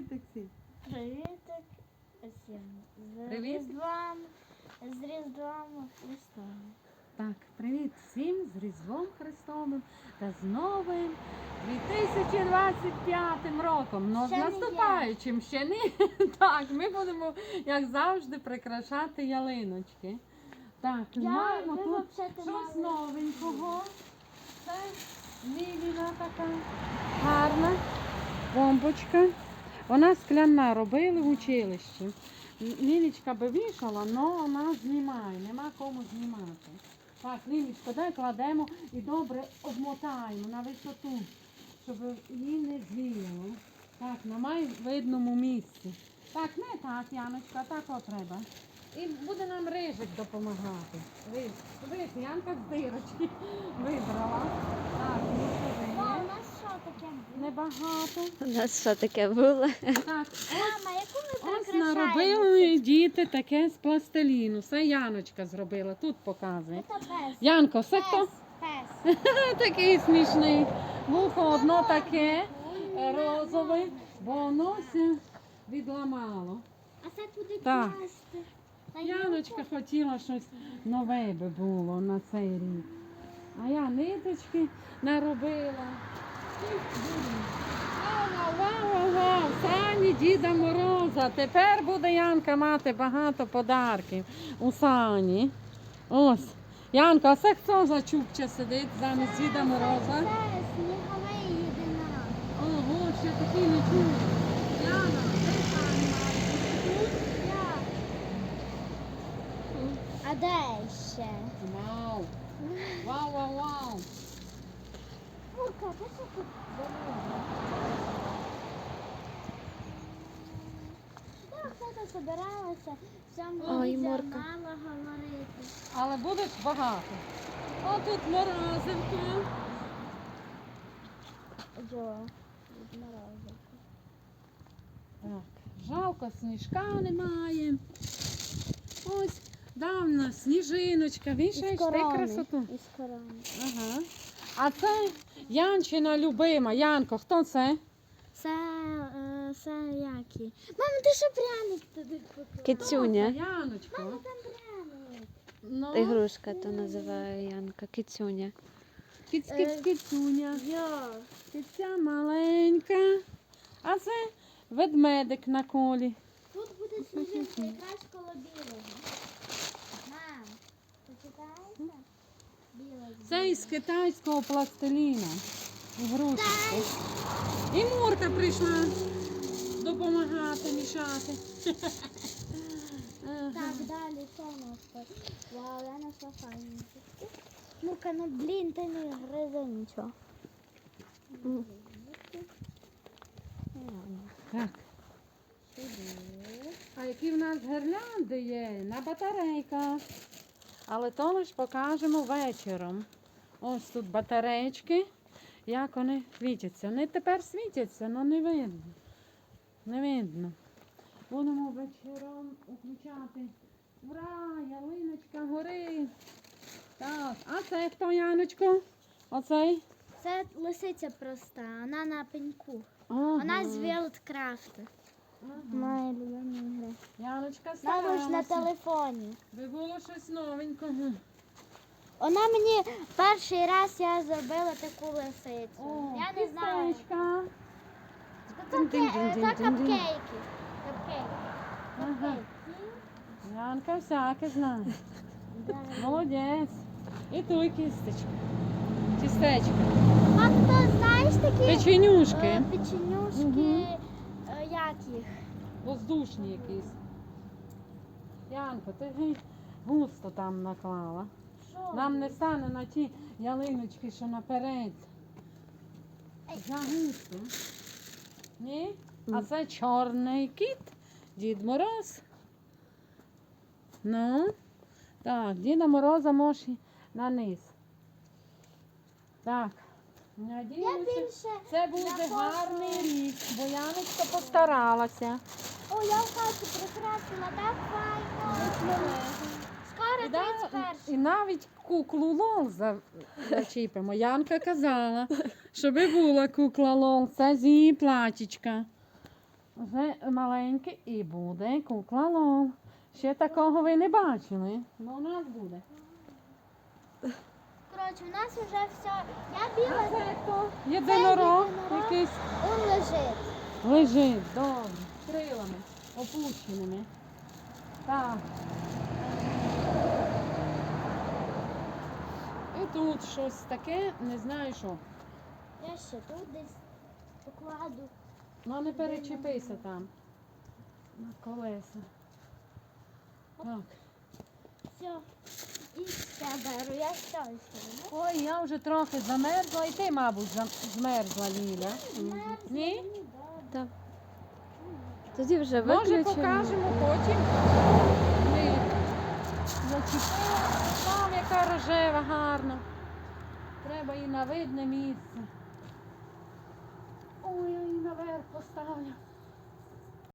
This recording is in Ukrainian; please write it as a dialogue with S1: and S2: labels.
S1: Привітик всім.
S2: Привітик всім.
S1: Привіт.
S2: З Різдвом Христом.
S1: Так, привіт всім з Різдвом Христовим та з новим 2025 роком. Ну, з
S2: Ще не
S1: наступаючим ще не. Так, ми будемо, як завжди, прикрашати ялиночки. Так, маємо
S2: ви
S1: тут
S2: взагалі
S1: щось
S2: мали-
S1: новенького. Це Ліліна така гарна бомбочка. Вона скляна, робили в училищі. Лілічка би вішала, але вона знімає, нема кому знімати. Так, Лілічко, дай кладемо і добре обмотаємо на висоту, щоб її не звіяло. Так, на майвидному місці. Так, не так, Яночка, так от треба. І буде нам рижик допомагати. Дивись, Янка з дирочки вибрала. Так, ну
S2: О, у
S1: сюди.
S2: нас що таке було?
S1: Небагато.
S3: У нас що таке було?
S1: Так,
S2: Мама, яку ми
S1: ось
S2: прикрашаємо?
S1: наробили діти таке з пластиліну. Все Яночка зробила. Тут показує.
S2: Це пес.
S1: Янко, все хто?
S2: Пес.
S1: Такий смішний. Вухо одно таке розове, бо воно все відламало.
S2: А це туди
S1: Так.
S2: класти. Та
S1: Яночка хотіла щось нове би було на цей рік. А я ниточки наробила. І будемо. Вау! Сані Діда Мороза. Тепер буде Янка мати багато подарків у Сані. Ось. Янка, а це хто за чубча сидить замість Діда Мороза?
S2: Це сніговий єдинорог.
S1: Ого, ще такий не чув. Яна, де Сані має?
S2: А де ще?
S1: Вау! Вау!
S2: Мурка, ти що тут забула? Так, хто собиралася в цьому
S3: Ой,
S2: відео
S3: Мурка.
S2: мало говорити.
S1: Але буде багато. О, тут морозивка.
S2: Джо, від морозивки.
S1: Так, жалко, сніжка немає. Ось, давна сніжиночка. Вішаєш ти красоту.
S2: Із корони.
S1: Ага. А це Янчина любима. Янко, хто це?
S2: Це які? Мама, ти що пряник туди поклала?
S3: Кицюня.
S1: Яночко.
S2: Мама, там пряник.
S1: Ну,
S3: Ігрушка то називає Янка. Кицюня.
S1: кицюня.
S2: Йо.
S1: Киця маленька. А це ведмедик на колі.
S2: Тут буде сніжинка якраз коло білого. Мам, почитаєте? Білий.
S1: Це із китайського пластиліна. Ігрушечки. І Мурка прийшла допомагати, мішати.
S2: Так, далі що у нас тут? Вау, я нашла файненькі. Ну-ка, ну блін, ти не гризи нічого.
S1: Так. А які в нас гірлянди є на батарейках. Але то лиш покажемо вечором. Ось тут батарейки. Як вони світяться. Вони тепер світяться, але не видно. Не видно. Будемо вечором включати. Ура! Ялиночка горить. Так, а це хто, Яночко? Оцей?
S2: Це лисиця проста, вона на пеньку.
S1: Ага.
S2: Вона з Вілдкрафту.
S1: Ага.
S2: Моя любима гра.
S1: Яночка
S2: Вона ж на
S1: старалася.
S2: телефоні.
S1: Би було щось новенького.
S2: Вона мені перший раз я зробила таку лисицю.
S1: О,
S2: Я не знаю.
S1: кістечка.
S2: Це капкейки. Капкейки.
S1: Ага. Янка всяке знає. Молодець. І ту кістечку. Тістечко.
S2: А хто знаєш такі
S1: Печенюшки.
S2: печенюшки,
S1: Мгм.
S2: як їх?
S1: Воздушні якісь. Янко, ти густо там наклала.
S2: Що?
S1: Нам не стане на ті ялиночки, що наперед. Загусто. Ні? А це чорний кіт, Дід Мороз. Ну, так, Діда Мороза може на низ. Так,
S2: Я
S1: надіюся,
S2: більше
S1: це буде
S2: на
S1: гарний
S2: фото.
S1: рік, бо Яночка постаралася.
S2: О, я в хаті прикрасила, так файно. Скоро
S1: І, да-
S2: 31.
S1: і навіть куклу Лол зачіпимо. Янка казала, щоб була кукла Лол, це з її платічка. Вже маленьке і буде кукла Лол. Ще такого ви не бачили. Ну, у нас буде.
S2: Коротше, у нас вже все. Я
S1: А
S2: біла,
S1: це хто? Єдинорог
S2: єдинорог.
S1: якийсь.
S2: он лежить.
S1: Лежить, добре, з крилами, опущеними. Так. І тут щось таке, не знаю що.
S2: Я ще тут десь покладу.
S1: Ну не перечепися там. На колеса. Так.
S2: Все. І ще беру. Я все ще.
S1: Ой, я вже трохи замерзла, і ти, мабуть, змерзла, Ліля. Ні?
S3: Так. Тоді вже
S1: Може,
S3: виключимо.
S1: покажемо потім. Ми зачепила. Там яка рожева, гарна. Треба і на видне місце. Ой, я її наверх поставлю.